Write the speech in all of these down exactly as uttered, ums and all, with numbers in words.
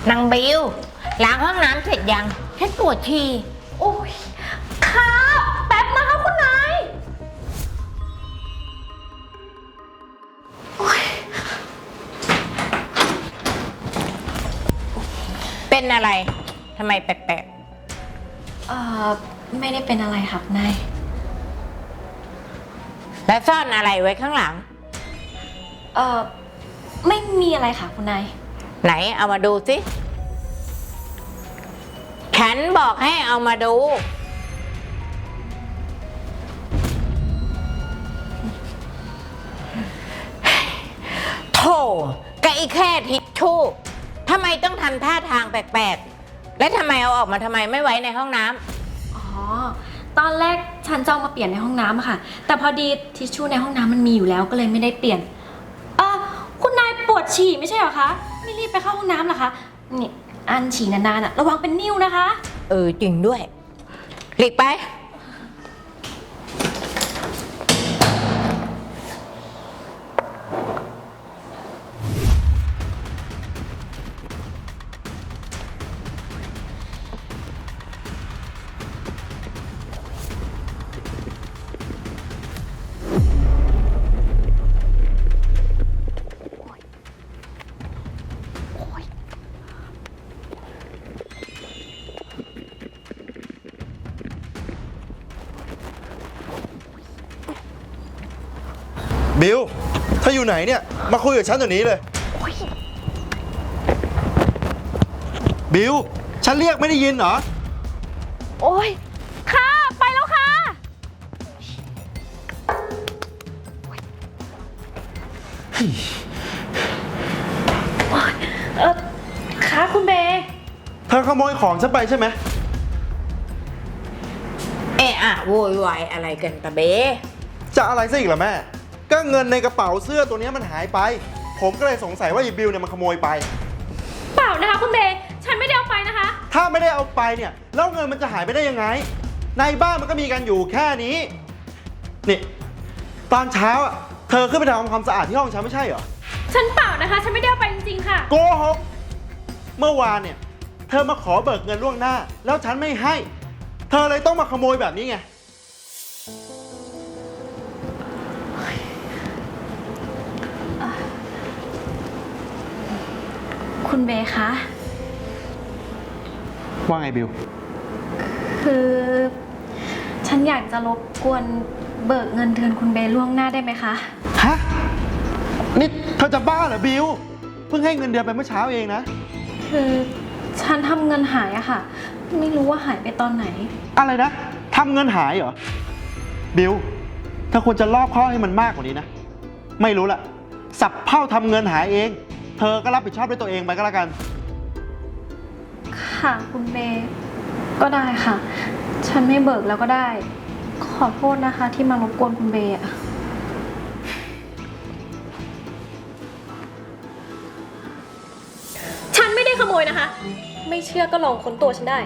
นางบิวล้างห้องน้ำเสร็จยังฉันปวดฉี่โอ้ยครับแป๊บนะคะคุณนายโอ้ยเป็นอะไรทำไมแปลกๆเอ่อไม่ได้เป็นอะไรครับนายแล้วซ่อนอะไรไว้ข้างหลังเอ่อไม่มีอะไรค่ะคุณนายไหนเอามาดูสิฉันบอกให้เอามาดูโธ่กะอีแค่ทิชชู่ทำไมต้องทำท่าทางแปลกๆและทำไมเอาออกมาทำไมไม่ไว้ในห้องน้ำอ๋อตอนแรกฉันจะเอามาเปลี่ยนในห้องน้ำอะค่ะแต่พอดีทิชชู่ในห้องน้ำมันมีอยู่แล้วก็เลยไม่ได้เปลี่ยนเออคุณนายปวดฉี่ไม่ใช่เหรอคะไม่รีบไปเข้าห้องน้ำเหรอคะนี่อันฉี่นานๆอะระวังเป็นนิ่วนะคะเออจริงด้วยหลีกไปบิวเธออยู่ไหนเนี่ยมาคุยกับฉันเดี๋ยวนี้เลยบิวฉันเรียกไม่ได้ยินเหรอโอ้ยค่ะไปแล้วค่ะเออค่ะคุณเบย์เธอขโมยของฉันไปใช่ไหมเอะอะโวยวายอะไรกันตะเบจะอะไรซะอีกล่ะแม่ก็เงินในกระเป๋าเสื้อตัวนี้มันหายไปผมก็เลยสงสัยว่าอีบิวเนี่ยมันขโมยไปเปล่านะคะคุณเบย์ฉันไม่ได้เอาไปนะคะถ้าไม่ได้เอาไปเนี่ยแล้วเงินมันจะหายไปได้ยังไงในบ้านมันก็มีกันอยู่แค่นี้นี่ตอนเช้าอ่ะเธอขึ้นไปทำความสะอาดที่ห้องฉันไม่ใช่เหรอฉันเปล่านะคะฉันไม่ได้เอาไปจริงๆค่ะโกหกเมื่อวานเนี่ยเธอมาขอเบิกเงินล่วงหน้าแล้วฉันไม่ให้เธอเลยต้องมาขโมยแบบนี้ไงคุณเบย์คะว่าไงบิวคือฉันอยากจะรบกวนเบิกเงินเดือนคุณเบย์ล่วงหน้าได้ไหมคะฮะนี่เธอจะบ้าเหรอบิวเพิ่งให้เงินเดือนไปเมื่อเช้าเองนะคือฉันทำเงินหายอะค่ะไม่รู้ว่าหายไปตอนไหนอะไรนะทำเงินหายเหรอบิวเธอควรจะรอบคอบให้มันมากกว่านี้นะไม่รู้ละสับเผ่าทำเงินหายเองเธอก็รับผิดชอบด้วยตัวเองไปก็แล้วกันค่ะคุณเบย์ก็ได้ค่ะฉันไม่เบิกแล้วก็ได้ขอโทษนะคะที่มารบกวนคุณเบย์อะฉันไม่ได้ขโมยนะคะไม่เชื่อก็ลองค้นตัวฉันได้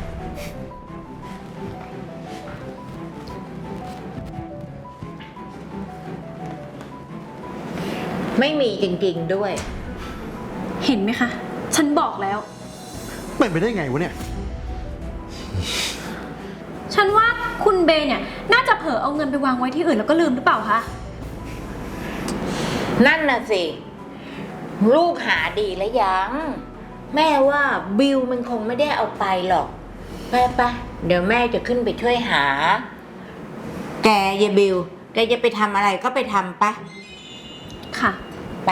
ไม่มีจริงๆด้วยเห็นไหมคะฉันบอกแล้วเป็นไปได้ไงวะเนี่ยฉันว่าคุณเบย์เนี่ยน่าจะเผลอเอาเงินไปวางไว้ที่อื่นแล้วก็ลืมหรือเปล่าคะนั่นน่ะสิลูกหาดีแล้วยังแม่ว่าบิวมันคงไม่ได้เอาไปหรอกไปไปเดี๋ยวแม่จะขึ้นไปช่วยหาแกยายบิวแกจะไปทำอะไรก็ไปทำปะค่ะไป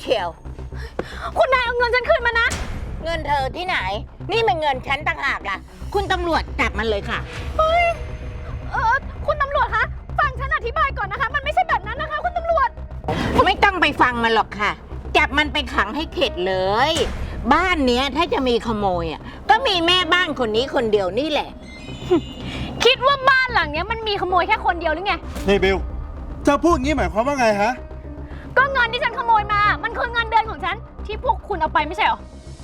ชียวคุณนายเอาเงินฉันคืนมานะเงินเธอที่ไหน นี่มันเงินฉันต่างหากล่ะ คุณตำรวจจับมันเลยค่ะเฮ้ย เออคุณตำรวจคะ ฟังฉันอธิบายก่อนนะคะ มันไม่ใช่แบบนั้นนะคะ คุณตำรวจไม่ต้องไปฟังมันหรอกค่ะ จับมันไปขังให้เข็ดเลย บ้านเนี้ยถ้าจะมีขโมยอ่ะก็มีแม่บ้านคนนี้คนเดียวนี่แหละคิดว่าบ้านหลังเนี้ยมันมีขโมยแค่คนเดียวหรือไงนี่บิลจะพูดอย่างนี้หมายความว่าไงฮะก็เงินที่ฉันขโมยมา มันคือเงินเดือนของฉัน ที่พวกคุณเอาไปไม่ใช่เหรอ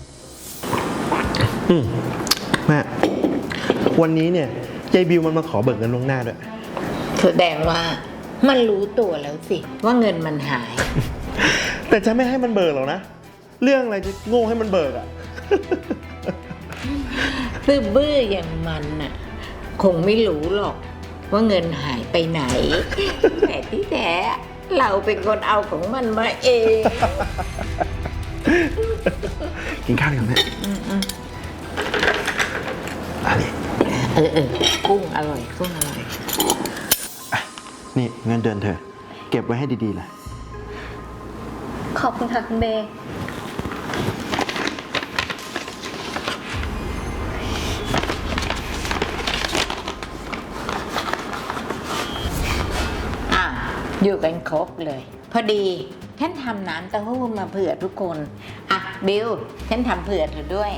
อืมแม่วันนี้เนี่ยยายบิวมันมาขอเบิกเงินล่วงหน้าด้วยแสดงว่ามันรู้ตัวแล้วสิ ว่าเงินมันหายแต่จะไม่ให้มันเบิกหรอกนะ เรื่องอะไรจะโง่ให้มันเบิกอ่ะซื่อบื้ออย่างมันน่ะ คงไม่รู้หรอกว่าเงินหายไปไหน แต่ที่แท้เราเป็นคนเอาของมันมาเองกินข้าวดีกว่าแม่อันนี้เออเออกุ้งอร่อยกุ้งอร่อยนี่เงินเดือนเธอ เก็บไว้ให้ดีๆล่ะขอบคุณค่ะคุณเบย์อ่ะอยู่กันครบเลย พอดี ฉันทำน้ำเต้าหู้มาเผื่อทุกคน อ่ะ บิว ฉันทำเผื่อเธอด้วย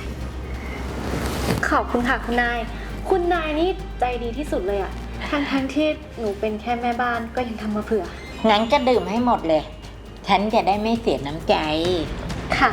ขอบคุณค่ะคุณนาย คุณนายนี่ใจดีที่สุดเลยอะทั้งทั้งๆที่หนูเป็นแค่แม่บ้านก็ยังทำมาเผื่องั้นก็ดื่มให้หมดเลย ฉันจะได้ไม่เสียน้ำใจค่ะ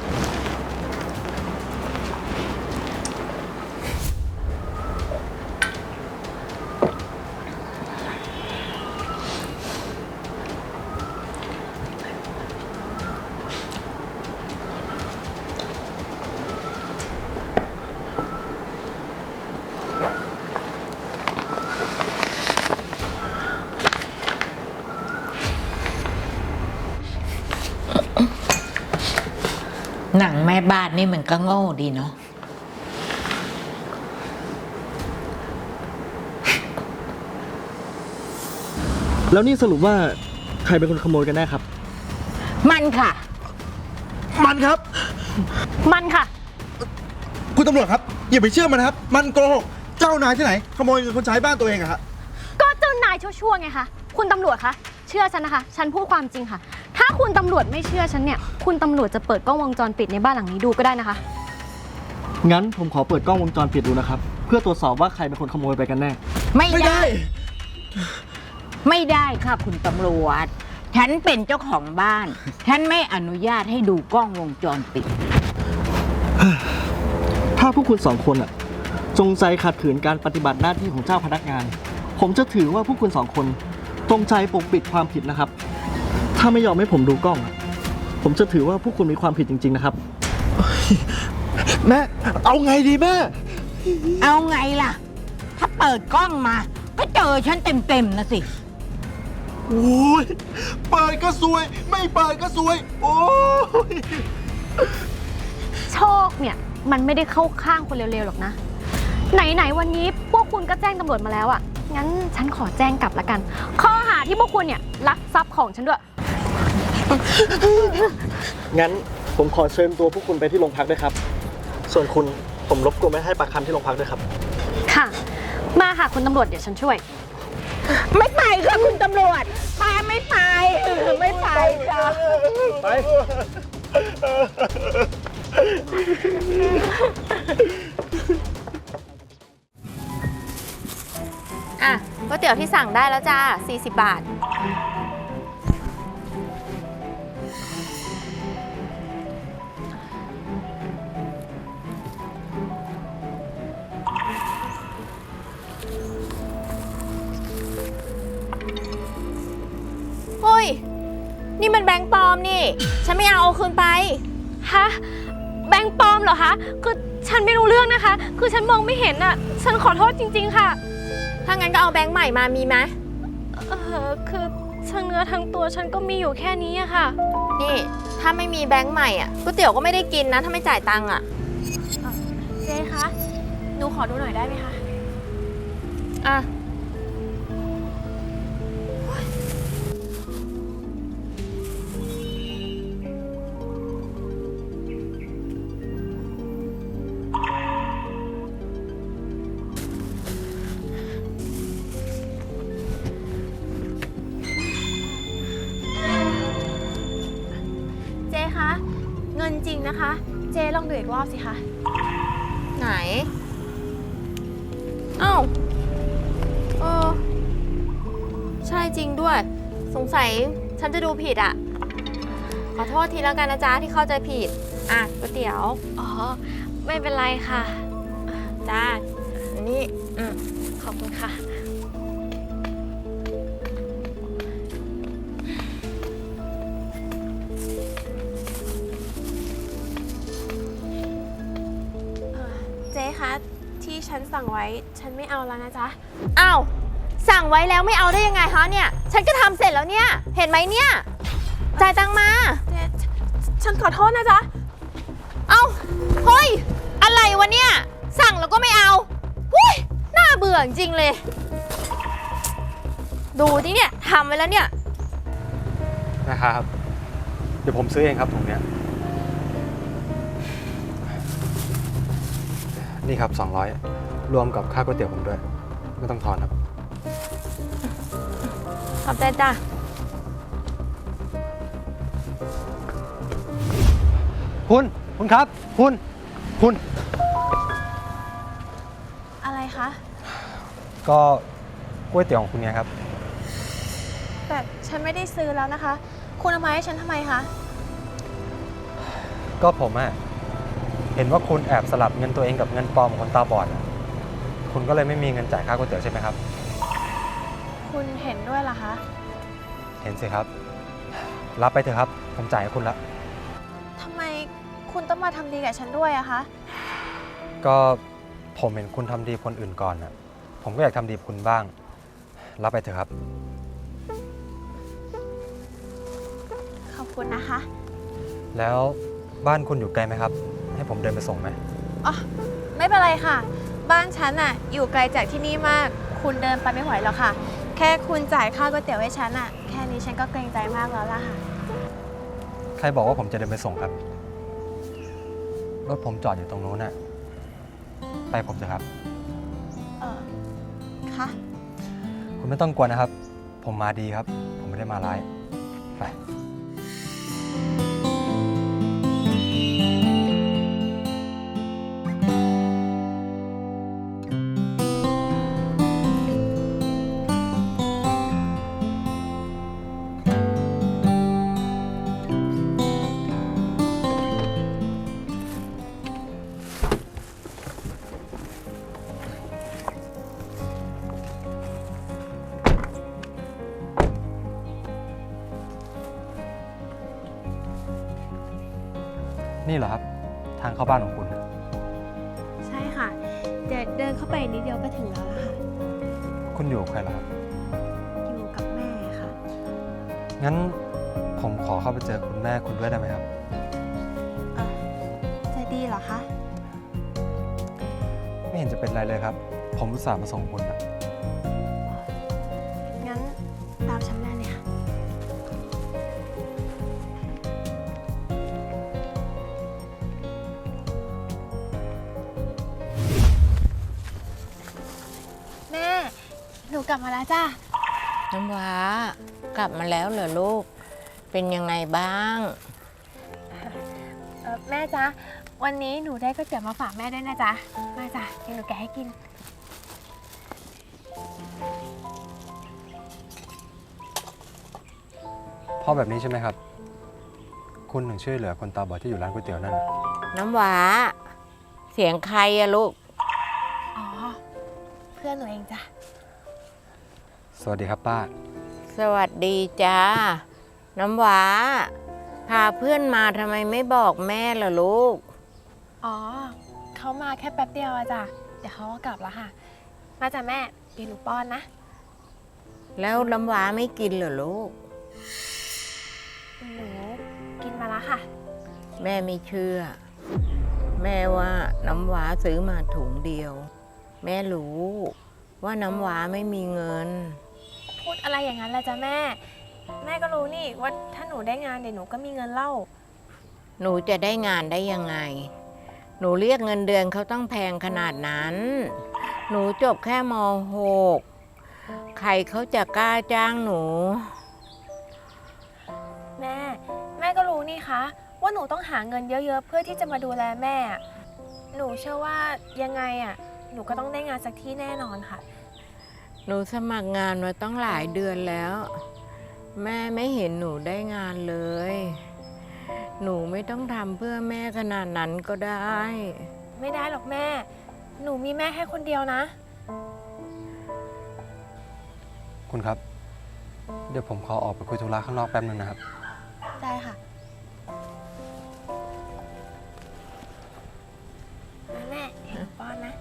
หนังแม่บ้านนี่มันก็โง่ดีเนาะแล้วนี่สรุปว่าใครเป็นคนขโมยกันแน่ครับมันค่ะมันครับมันค่ะคุณตำรวจครับ อย่าไปเชื่อมันนะครับ มันโกหก เจ้านายที่ไหน ขโมยเงินคนใช้บ้านตัวเองอะฮะก็เจ้านายชั่วๆไงคะ คุณตำรวจคะ เชื่อฉันนะคะ ฉันพูดความจริงค่ะ ถ้าคุณตำรวจไม่เชื่อฉันเนี่ย คุณตำรวจจะเปิดกล้องวงจรปิดในบ้านหลังนี้ดูก็ได้นะคะงั้นผมขอเปิดกล้องวงจรปิดดูนะครับ เพื่อตรวจสอบว่าใครเป็นคนขโมยไปกันแน่ไม่ไม่ได้ได้ไม่ได้ค่ะคุณตำรวจ ฉันเป็นเจ้าของบ้าน ฉันไม่อนุญาตให้ดูกล้องวงจรปิดถ้าพวกคุณสองคนอะจงใจขัดขืนการปฏิบัติหน้าที่ของเจ้าพนักงาน ผมจะถือว่าพวกคุณสองคนจงใจปกปิดความผิดนะครับ ถ้าไม่ยอมให้ผมดูกล้องอะผมจะถือว่าพวกคุณมีความผิดจริงๆนะครับแม่ เอาไงดีแม่เอาไงล่ะ ถ้าเปิดกล้องมา ก็เจอฉันเต็มๆนะสิโอ้ยเปิดก็ซวย ไม่เปิดก็ซวย โอ้ยโชคเนี่ยมันไม่ได้เข้าข้างคนเร็วๆหรอกนะ ไหนๆวันนี้พวกคุณก็แจ้งตำรวจมาแล้วอะ่ะ งั้นฉันขอแจ้งกลับละกัน ข้อหาที่พวกคุณเนี่ยลักทรัพย์ของฉันด้วยงั้นผมขอเชิญตัวพวกคุณไปที่โรงพักด้วยครับ ส่วนคุณผมรบกวนไม่ให้ปากคำที่โรงพักด้วยครับค่ะ มาค่ะคุณตำรวจเดี๋ยวฉันช่วยไม่ไปค่ะคุณตำรวจป้าไม่ไปเออไม่ไปจ้ะไปอ่ะก๋วยเตี๋ยวที่สั่งได้แล้วจ้าสี่สิบบาท เฮ้ย นี่มันแบงค์ปลอมนี่ ฉันไม่เอาเอาคืนไปฮะ แบงค์ปลอมเหรอคะ คือฉันไม่รู้เรื่องนะคะ คือฉันมองไม่เห็นอ่ะ ฉันขอโทษจริงๆค่ะถ้างั้นก็เอาแบงค์ใหม่มามีไหมเออคือทั้งเนื้อทั้งตัวฉันก็มีอยู่แค่นี้อะค่ะนี่ ถ้าไม่มีแบงค์ใหม่อ่ะก๋วยเตี๋ยวก็ไม่ได้กินนะ ถ้าไม่จ่ายตังค์อ่ะเจ๊คะ หนูขอดูหน่อยได้ไหมคะอ่ะนมันจริงนะคะ เจ๊ลองดูอีกรอบสิคะ ไหน เอ้าเออใช่จริงด้วย สงสัยฉันจะดูผิดอะขอโทษทีแล้วกันนะจ๊ะที่เข้าใจผิด อ่ะก๋วยเตี๋ยวอ๋อ ไม่เป็นไรค่ะจ้าอันนี่อืมขอบคุณค่ะเจ๊คะ ที่ฉันสั่งไว้ฉันไม่เอาแล้วนะจ๊ะ อ้าว สั่งไว้แล้วไม่เอาได้ยังไงคะเนี่ย ฉันก็ทำเสร็จแล้วเนี่ย เห็นไหมเนี่ย จ่ายตังค์มาเจ๊ฉันขอโทษนะจ๊ะ เอ้า เฮ้ย อะไรวะเนี่ย สั่งแล้วก็ไม่เอาหุ้ยน่าเบื่อจริงเลย ดูที่เนี่ยทำไว้แล้วเนี่ยนะครับ เดี๋ยวผมซื้อเองครับถุงเนี้ยนี่ครับสองร้อยรวมกับค่าก๋วยเตี๋ยวผมด้วย ไม่ต้องทอนครับขอบใจจ้ะคุณคุณครับ คุณคุณอะไรคะก็ก๋วยเตี๋ยวของคุณไงครับแต่ฉันไม่ได้ซื้อแล้วนะคะ คุณเอามาให้ฉันทำไมคะก็ผมอะเห็นว่าคุณแอบสลับเงินตัวเองกับเงินปลอมของคนตาบอดอะคุณก็เลยไม่มีเงินจ่ายค่าก๋วยเตี๋ยวใช่ไหมครับคุณเห็นด้วยเหรอคะเห็นสิครับ รับไปเถอะครับ ผมจ่ายให้คุณละทำไมคุณต้องมาทำดีกับฉันด้วยอะคะก็ผมเห็นคุณทำดีคนอื่นก่อนอะผมก็อยากทำดีกับคุณบ้าง รับไปเถอะครับขอบคุณนะคะแล้วบ้านคุณอยู่ไกลไหมครับ ให้ผมเดินไปส่งไหมอ๋อ ไม่เป็นไรค่ะ บ้านฉันอะอยู่ไกลจากที่นี่มาก คุณเดินไปไม่ไหวหรอกค่ะ แค่คุณจ่ายค่าก๋วยเตี๋ยวให้ฉันอะแค่นี้ฉันก็เกรงใจมากแล้วล่ะค่ะใครบอกว่าผมจะเดินไปส่งครับ รถผมจอดอยู่ตรงนู้นน่ะ ไปผมเถอะครับเออค่ะคุณไม่ต้องกลัวนะครับ ผมมาดีครับ ผมไม่ได้มาร้าย ไป นี่เหรอครับ ทางเข้าบ้านของคุณใช่ค่ะ เดี๋ยวเดินเข้าไปนิดเดียวก็ถึงแล้วล่ะค่ะคุณอยู่กับใครเหรอครับอยู่กับแม่ค่ะงั้นผมขอเข้าไปเจอคุณแม่คุณด้วยได้ไหมครับเออจะดีเหรอคะไม่เห็นจะเป็นไรเลยครับ ผมอุตส่าห์มาส่งคุณนะงั้นตามฉันมาเลยค่ะ แม่ หนูกลับมาแล้วจ้าน้ำว้ากลับมาแล้วเหรอลูก เป็นยังไงบ้างเออแม่จ๊ะ วันนี้หนูได้ก๋วยเตี๋ยวมาฝากแม่ด้วยนะจ๊ะ มาจ้ะเดี๋ยวหนูแกะให้กินเพราะแบบนี้ใช่ไหมครับ คุณถึงช่วยเหลือคนตาบอดที่อยู่ร้านก๋วยเตี๋ยวนั่นน้ำว้า เสียงใครอะลูกอ๋อ เพื่อนหนูเองจ้ะสวัสดีครับป้าสวัสดีจ้า น้ำว้า พาเพื่อนมาทำไมไม่บอกแม่ล่ะลูกอ๋อ เขามาแค่แป๊บเดียวอะจ้ะ เดี๋ยวเขาก็กลับแล้วค่ะ มาจ้ะแม่ เดี๋ยวหนูป้อนนะแล้วน้ำว้าไม่กินเหรอลูกหนูกินมาแล้วค่ะแม่ไม่เชื่อ แม่ว่าน้ำว้าซื้อมาถุงเดียว แม่รู้ว่าน้ำว้าไม่มีเงินพูดอะไรอย่างนั้นล่ะจ้ะแม่ แม่ก็รู้นี่ว่าถ้าหนูได้งานเดี๋ยวหนูก็มีเงินเล่าหนูจะได้งานได้ยังไง หนูเรียกเงินเดือนเขาต้องแพงขนาดนั้น หนูจบแค่ม หก ใครเขาจะกล้าจ้างหนูแม่ แม่ก็รู้นี่คะว่าว่าหนูต้องหาเงินเยอะๆ เพื่อที่จะมาดูแลแม่อะหนูเชื่อว่ายังไงอ่ะ หนูก็ต้องได้งานสักที่แน่นอนค่ะหนูสมัครงานมาต้องหลายเดือนแล้ว แม่ไม่เห็นหนูได้งานเลย หนูไม่ต้องทำเพื่อแม่ขนาดนั้นก็ได้ไม่ได้หรอกแม่ หนูมีแม่แค่คนเดียวนะคุณครับ เดี๋ยวผมขอออกไปคุยธุระข้างนอกแป๊บนึงนะครับได้ค่ะแม่เห็นป้อนนะ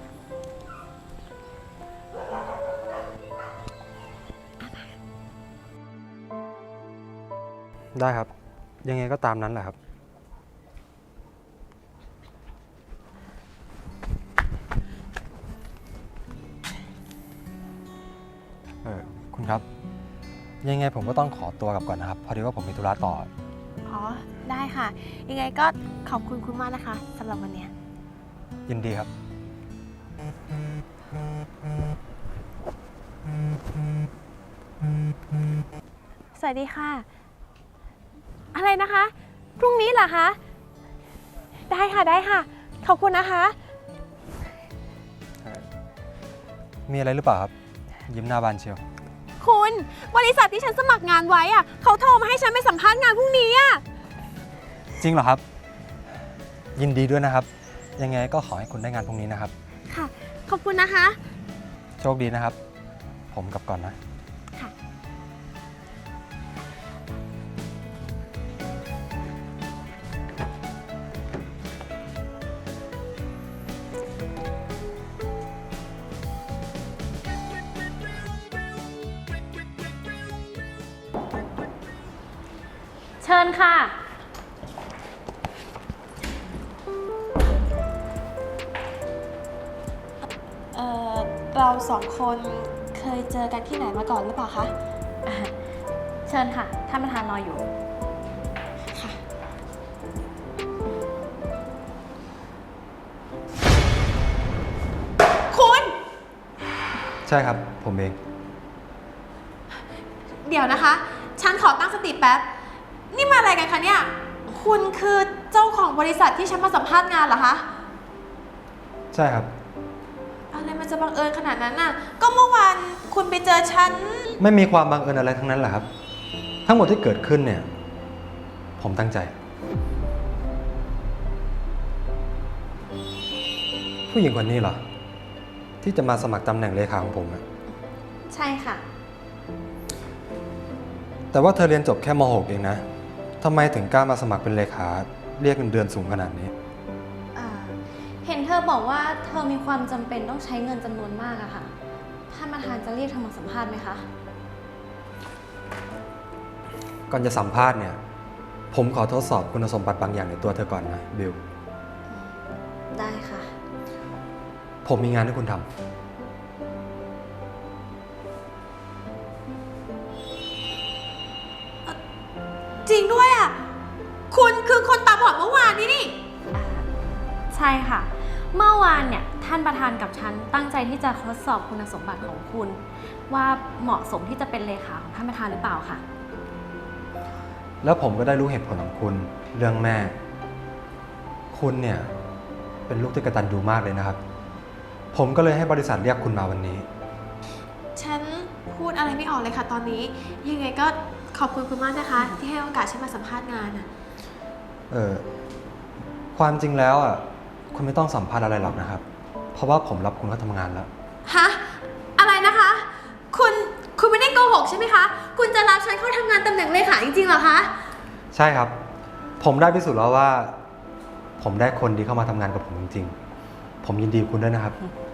ได้ครับ ยังไงก็ตามนั้นแหละครับ เออคุณครับ ยังไงผมก็ต้องขอตัวกลับก่อนนะครับ พอดีว่าผมมีธุระต่ออ๋อ ได้ค่ะ ยังไงก็ขอบคุณคุณมากนะคะสำหรับวันเนี้ยยินดีครับสวัสดีค่ะ อะไรนะคะ พรุ่งนี้เหรอคะ ได้ค่ะ ได้ค่ะ ขอบคุณนะคะมีอะไรหรือเปล่าครับ ยิ้มหน้าบานเชียวคุณ บริษัทที่ฉันสมัครงานไว้อะเขาโทรมาให้ฉันไปสัมภาษณ์งานพรุ่งนี้อะจริงเหรอครับ ยินดีด้วยนะครับ ยังไงก็ขอให้คุณได้งานพรุ่งนี้นะครับค่ะ ขอบคุณนะคะโชคดีนะครับ ผมกลับก่อนนะค่ะเชิญค่ะเอ่อ เราสองคนเคยเจอกันที่ไหนมาก่อนหรือเปล่าคะอ่าเชิญค่ะ ท่านประธานรออยู่ค่ะ คุณใช่ครับ ผมเองเดี๋ยวนะคะ ฉันขอตั้งสติแป๊บ นี่มาอะไรกันคะเนี่ย คุณคือเจ้าของบริษัทที่ฉันมาสัมภาษณ์งานเหรอคะใช่ครับอะไรมันจะบังเอิญขนาดนั้นน่ะ ก็เมื่อวานคุณไปเจอฉันไม่มีความบังเอิญอะไรทั้งนั้นแหละครับ ทั้งหมดที่เกิดขึ้นเนี่ย ผมตั้งใจ ผู้หญิงคนนี้เหรอ ที่จะมาสมัครตำแหน่งเลขาของผมอะใช่ค่ะแต่ว่าเธอเรียนจบแค่ม หก เองนะทำไมถึงกล้ามาสมัครเป็นเลขา เรียกเงินเดือนสูงขนาดนี้อ่า เห็นเธอบอกว่าเธอมีความจำเป็นต้องใช้เงินจำนวนมากอะค่ะ ท่านประธานจะเรียกเธอมาสัมภาษณ์ไหมคะก่อนจะสัมภาษณ์เนี่ย ผมขอทดสอบคุณสมบัติบางอย่างในตัวเธอก่อนนะบิลได้ค่ะผมมีงานให้คุณทำจริงด้วยอ่ะ คุณคือคนตาบอดเมื่อวานนี้นี่ใช่ค่ะ เมื่อวานเนี่ยท่านประธานกับฉันตั้งใจที่จะทดสอบคุณสมบัติของคุณ ว่าเหมาะสมที่จะเป็นเลขาของท่านประธานหรือเปล่าค่ะแล้วผมก็ได้รู้เหตุผลของคุณเรื่องแม่ คุณเนี่ยเป็นลูกที่กตัญญูมากเลยนะครับ ผมก็เลยให้บริษัทเรียกคุณมาวันนี้ฉันพูดอะไรไม่ออกเลยค่ะตอนนี้ ยังไงก็ขอบคุณคุณมากนะคะ ที่ให้โอกาสฉันมาสัมภาษณ์งานอ่ะเออความจริงแล้วอ่ะคุณไม่ต้องสัมภาษณ์อะไรหรอกนะครับ เพราะว่าผมรับคุณเข้าทำงานแล้วฮะ อะไรนะคะ คุณ คุณไม่ได้โกหกใช่ไหมคะ คุณจะรับฉันเข้าทำงานตำแหน่งเลขาจริงๆเหรอคะใช่ครับ ผมได้พิสูจน์แล้วว่า ผมได้คนดีเข้ามาทำงานกับผมจริงๆ ผมยินดีกับคุณด้วยนะครับ